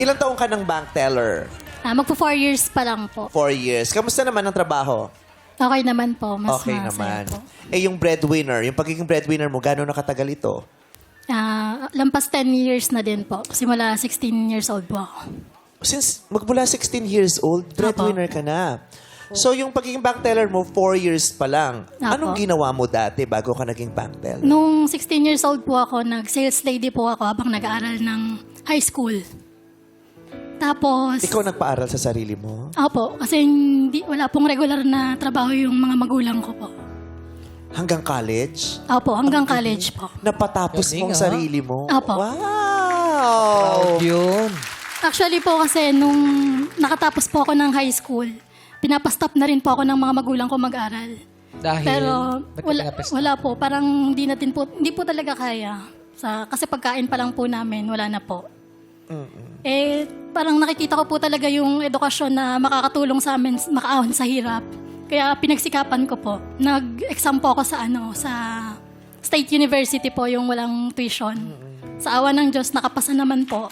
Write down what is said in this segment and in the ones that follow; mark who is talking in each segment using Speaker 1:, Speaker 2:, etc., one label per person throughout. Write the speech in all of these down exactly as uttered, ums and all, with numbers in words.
Speaker 1: Ilang taong ka ng bank teller?
Speaker 2: Ah, magpo four years pa lang po.
Speaker 1: Four years. Kamusta naman ang trabaho?
Speaker 2: Okay naman po. Mas
Speaker 1: Okay
Speaker 2: masaya
Speaker 1: naman.
Speaker 2: po.
Speaker 1: Eh, yung breadwinner, yung pagiging breadwinner mo, gano'n nakatagal ito?
Speaker 2: Ah, lampas ten years na din po. Simula sixteen years old po ako.
Speaker 1: Since magmula sixteen years old, breadwinner ka na. So, yung pagiging bank teller mo, four years pa lang.
Speaker 2: Apo.
Speaker 1: Anong ginawa mo dati bago ka naging bank teller?
Speaker 2: Nung sixteen years old po ako, nag-sales lady po ako habang nag-aaral ng high school. Tapos,
Speaker 1: Ikaw nagpaaral sa sarili mo?
Speaker 2: opo, kasi hindi, wala pong regular na trabaho yung mga magulang ko po.
Speaker 1: Hanggang college?
Speaker 2: Opo, hanggang college po.
Speaker 1: Napatapos
Speaker 3: Galing,
Speaker 1: mong
Speaker 3: ah.
Speaker 1: sarili mo?
Speaker 2: Apo.
Speaker 1: Wow!
Speaker 3: Yun.
Speaker 2: Actually po kasi nung nakatapos po ako ng high school, pinapastop na rin po ako ng mga magulang ko mag-aral.
Speaker 3: Dahil,
Speaker 2: Pero
Speaker 3: ba't ka
Speaker 2: wala,
Speaker 3: pinapastop?
Speaker 2: wala po, parang hindi natin po, hindi po talaga kaya. Sa, kasi pagkain pa lang po namin, wala na po. Eh, parang nakikita ko po talaga yung edukasyon na makakatulong sa amin makaahon sa hirap. Kaya pinagsikapan ko po. Nag-exam po ako sa ano, sa State University po, yung walang tuition. Sa awa ng Diyos, nakapasa naman po.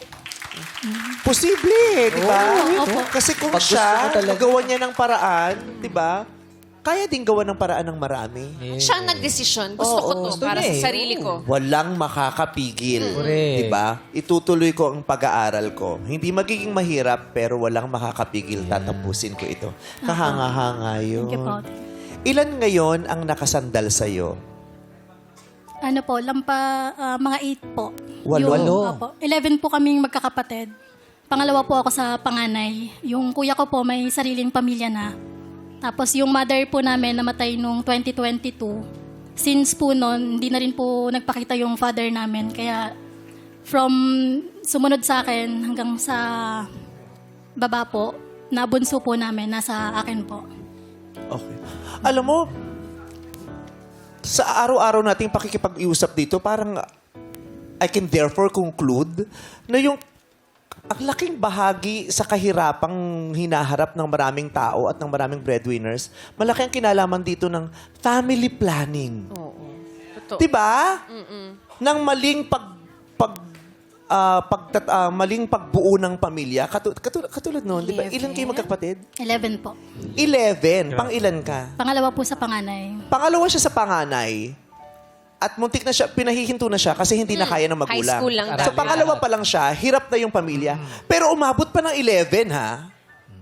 Speaker 1: Posible, di ba?
Speaker 2: Oo, opo.
Speaker 1: Kasi kung
Speaker 3: Pag gusto
Speaker 1: siya,
Speaker 3: mo talaga.
Speaker 1: gawa niya ng paraan, di ba? Kaya din gawa ng paraan ng marami.
Speaker 4: Siya ang nagdesisyon. Gusto ko to
Speaker 3: gusto
Speaker 4: para
Speaker 3: niya
Speaker 4: sa
Speaker 3: eh.
Speaker 4: sarili ko.
Speaker 1: Walang makakapigil.
Speaker 3: Correct.
Speaker 1: Di ba? Itutuloy ko ang pag-aaral ko. Hindi magiging mahirap, pero walang makakapigil. Tatapusin ko ito. Kahanga-hanga yun.
Speaker 2: Thank you po.
Speaker 1: Ilan ngayon ang nakasandal sa'yo?
Speaker 2: Ano po, lampa, ah, mga eight po.
Speaker 1: Walo?
Speaker 2: Yung,
Speaker 3: Walo.
Speaker 2: opo, eleven po kaming magkakapatid. Pangalawa po ako sa panganay. Yung kuya ko po may sariling pamilya na. Tapos yung mother po namin namatay nung twenty twenty-two. Since po noon, hindi na rin po nagpakita yung father namin. Kaya from sumunod sa akin hanggang sa baba po, na bunso po namin, nasa akin po.
Speaker 1: Okay. Alam mo, sa araw-araw nating pakikipag-iusap dito, parang I can therefore conclude na yung ang laking bahagi sa kahirapang hinaharap ng maraming tao at ng maraming breadwinners, malaki ang kinalaman dito ng family planning.
Speaker 4: Oo. Totoo.
Speaker 1: Diba? Nang maling pag pag ah, pagtat- ah, maling pagbuo ng pamilya. Katu- katu- katulad noon, di ba? Ilan kayo magkapatid?
Speaker 2: eleven po.
Speaker 1: Eleven. Pang ilan ka?
Speaker 2: Pangalawa po sa panganay.
Speaker 1: Pangalawa siya sa panganay. At muntik na siya, pinahihinto na siya kasi hindi na kaya ng magulang.
Speaker 4: High school lang
Speaker 1: So
Speaker 4: daw.
Speaker 1: pangalawa pa lang siya, hirap na yung pamilya. Pero umabot pa ng eleven, ha?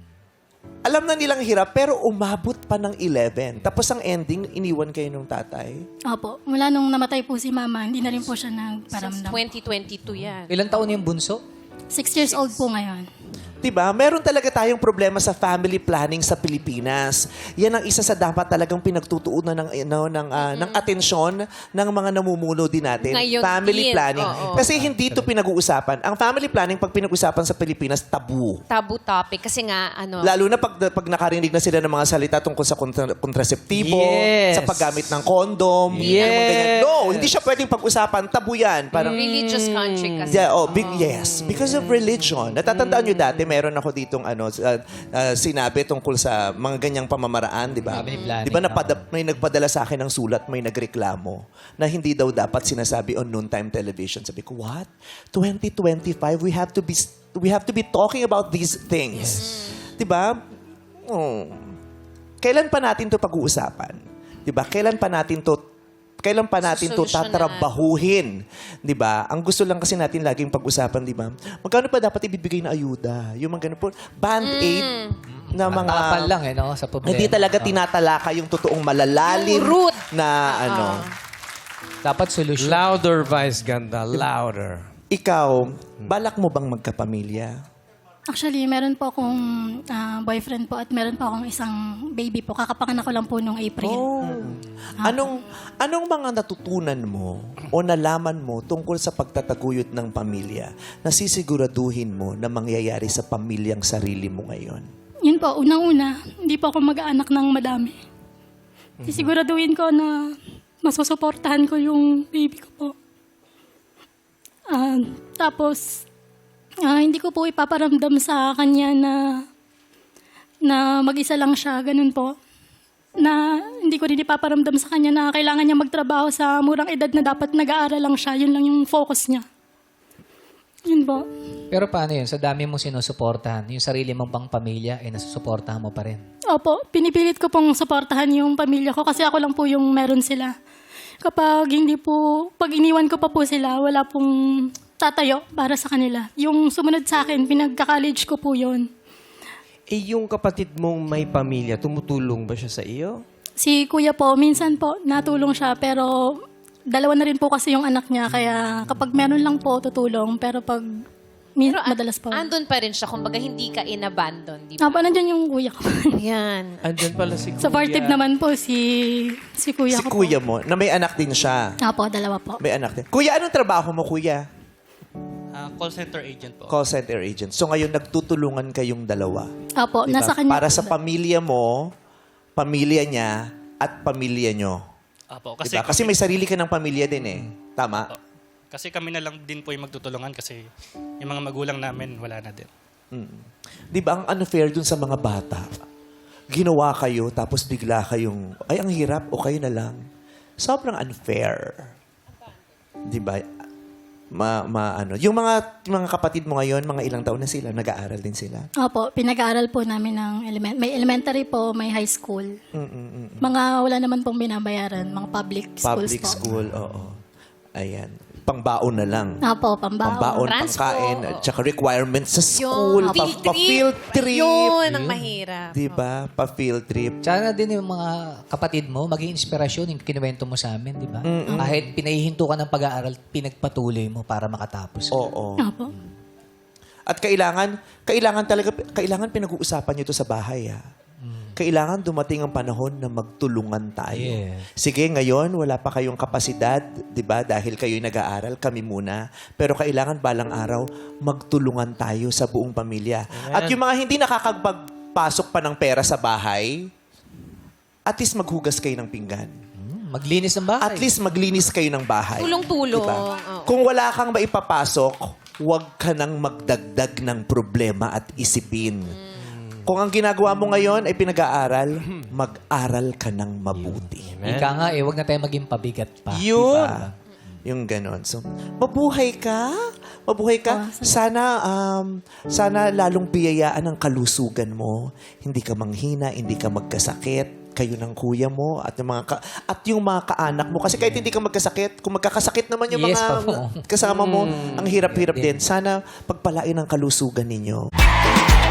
Speaker 1: Alam na nilang hirap, pero umabot pa ng eleven. Tapos ang ending, iniwan kayo ng tatay.
Speaker 2: Opo. Mula nung namatay po si mama, hindi na rin po siya
Speaker 4: Since
Speaker 2: nagparamdam.
Speaker 4: twenty twenty-two yan.
Speaker 3: Ilan taon yung bunso?
Speaker 2: Six years old po ngayon.
Speaker 1: Diba? Meron talaga tayong problema sa family planning sa Pilipinas. Yan ang isa sa dapat talagang pinagtutuunan ng ano, ng ah, ng atensyon ng mga namumuno din natin.
Speaker 4: Ngayon
Speaker 1: family
Speaker 4: din.
Speaker 1: planning.
Speaker 4: Oo.
Speaker 1: Kasi hindi ito pinag-uusapan. Ang family planning pag pinag-usapan sa Pilipinas, tabu.
Speaker 4: Tabu topic. Kasi nga, ano,
Speaker 1: Lalo na pag, pag nakarinig na sila ng mga salita tungkol sa kontra- kontraseptibo,
Speaker 3: Yes.
Speaker 1: sa paggamit ng condom,
Speaker 3: Yes.
Speaker 1: mga ganyan. No, hindi siya pwedeng pag-usapan. Tabu yan. Parang,
Speaker 4: religious country kasi.
Speaker 1: Yeah, oh, big, yes. Because of religion. Natatandaan nyo dati, meron ako ditong ano, uh, uh, sinabi tungkol sa mga ganyang pamamaraan, di ba?
Speaker 3: Family planning,
Speaker 1: Di ba napada- may nagpadala sa akin ng sulat, may nagreklamo na hindi daw dapat sinasabi on noontime television. Sabi ko, what? twenty twenty-five, we have to be we have to be talking about these things. Di ba? Oh. Kailan pa natin to pag-uusapan? Di ba? Kailan pa natin to kailan pa natin to
Speaker 4: Susolusyonan.
Speaker 1: tatrabahuhin? 'Di ba? Ang gusto lang kasi natin laging pag-usapan, 'di ba? Magkano pa dapat ibibigay na ayuda? Yung mga ganun po, band-aid na mga
Speaker 3: Tapal lang eh, no? Sa problema.
Speaker 1: hindi talaga tinatalaka yung totoong malalalim
Speaker 4: Yung root.
Speaker 1: na ano.
Speaker 3: Dapat solusyon.
Speaker 5: Louder, Vice Ganda. Louder.
Speaker 1: Ikaw, balak mo bang magkapamilya?
Speaker 2: Actually, meron po akong ah, boyfriend po at meron po akong isang baby po. Kakapanganak ko lang po nung April.
Speaker 1: Anong anong mga natutunan mo o nalaman mo tungkol sa pagtataguyod ng pamilya na sisiguraduhin mo na mangyayari sa pamilyang sarili mo ngayon?
Speaker 2: Yun po, unang-una, hindi po ako mag-aanak ng madami. Sisiguraduhin ko na masusuportahan ko yung baby ko po. Ah, tapos, ah, hindi ko po ipaparamdam sa kanya na na mag-isa lang siya, ganun po. Na hindi ko rin ipaparamdam sa kanya na kailangan niya magtrabaho sa murang edad na dapat nag-aaral lang siya. Yun lang yung focus niya. Yun po.
Speaker 3: Pero paano yun? Sa dami mong sinusuportahan, yung sarili mong pang pamilya, eh nasusuportahan mo pa rin.
Speaker 2: Opo, pinipilit ko pong suportahan yung pamilya ko kasi ako lang po yung meron sila. Kapag hindi po, pag iniwan ko pa po sila, wala pong tatayo para sa kanila. Yung sumunod sa akin, pinagka-college ko po yun.
Speaker 5: Eh, yung kapatid mong may pamilya, tumutulong ba siya sa iyo?
Speaker 2: Si kuya po, minsan po, natulong siya pero dalawa na rin po kasi yung anak niya. Kaya kapag meron lang po, tutulong. Pero pag min-
Speaker 4: Pero an-
Speaker 2: madalas po.
Speaker 4: andun pa rin siya. Kumbaga, hindi ka in-abandon, di ba?
Speaker 2: Apo, nandyan yung kuya ko.
Speaker 4: Yan.
Speaker 5: Andyan pala si Kuya.
Speaker 2: Supportive naman po si, si kuya
Speaker 1: Si
Speaker 2: ko
Speaker 1: kuya
Speaker 2: po.
Speaker 1: mo, na may anak din siya.
Speaker 2: Apo, dalawa po.
Speaker 1: May anak din. Kuya, anong trabaho mo, kuya?
Speaker 6: Ah, call center agent po.
Speaker 1: Call center agent. So ngayon, nagtutulungan kayong dalawa.
Speaker 2: Apo,
Speaker 1: Diba?
Speaker 2: nasa kanya.
Speaker 1: Para sa pamilya mo, pamilya niya, at pamilya nyo.
Speaker 6: Apo,
Speaker 1: Kasi,
Speaker 6: kasi,
Speaker 1: diba? Kasi may sarili ka ng pamilya din eh. Tama?
Speaker 6: kasi kami na lang din po yung magtutulungan kasi yung mga magulang namin wala na din.
Speaker 1: Di ba ang unfair dun sa mga bata? Ginawa kayo, tapos bigla kayong, ay, ang hirap, o kayo na lang. Sobrang unfair. Di ba? Ma, ma, ano. Yung mga, mga kapatid mo ngayon, mga ilang taon na sila, nag-aaral din sila.
Speaker 2: Opo, pinag-aaral po namin ng element. May elementary po, may high school. Mga wala naman pong binabayaran, mga public schools
Speaker 1: Public
Speaker 2: po.
Speaker 1: school, oo. Ayan. Pangbaon na lang.
Speaker 2: Opo, pambaon.
Speaker 1: Pambaon,
Speaker 4: Transpo.
Speaker 1: pangkain, at saka requirements sa school,
Speaker 4: Yung
Speaker 1: pa,
Speaker 4: field
Speaker 1: pa field trip.
Speaker 4: Yun, ang mahirap.
Speaker 1: Di ba? Pa field trip.
Speaker 3: Sana din yung mga kapatid mo, maging inspirasyon yung kinuwento mo sa amin, di ba? Kahit pinahihinto ka ng pag-aaral, pinagpatuloy mo para makatapos.
Speaker 1: Oo.
Speaker 2: Opo.
Speaker 1: At kailangan, kailangan talaga, kailangan pinag-uusapan nyo to sa bahay, ha? Kailangan dumating ang panahon na magtulungan tayo.
Speaker 3: Yes.
Speaker 1: Sige, ngayon, wala pa kayong kapasidad, di ba? Dahil kayo'y nag-aaral, kami muna. Pero kailangan balang araw, magtulungan tayo sa buong pamilya. At yung mga hindi nakakapagpasok pa ng pera sa bahay, at least maghugas kayo ng pinggan.
Speaker 3: Hmm, maglinis ng bahay.
Speaker 1: At least maglinis kayo ng bahay.
Speaker 4: Tulong-tulong.
Speaker 1: Diba?
Speaker 4: Oo.
Speaker 1: Kung wala kang maipapasok, huwag ka nang magdagdag ng problema at isipin. Kung ang ginagawa mo ngayon ay pinag-aaral, mag-aral ka ng mabuti.
Speaker 3: Ika nga eh, wag na tayo maging pabigat pa.
Speaker 1: Yun. Diba? Yung ganon. So, mabuhay ka. Mabuhay ka. Sana, um, sana lalong biyayaan ang kalusugan mo. Hindi ka manghina, hindi ka magkasakit. Kayo ng kuya mo at yung mga ka- at yung mga kaanak mo. Kasi kahit hindi ka magkasakit, kung magkakasakit naman yung
Speaker 3: Yes,
Speaker 1: mga
Speaker 3: Papo.
Speaker 1: kasama mo, ang hirap-hirap din. Sana pagpalain ang kalusugan ninyo.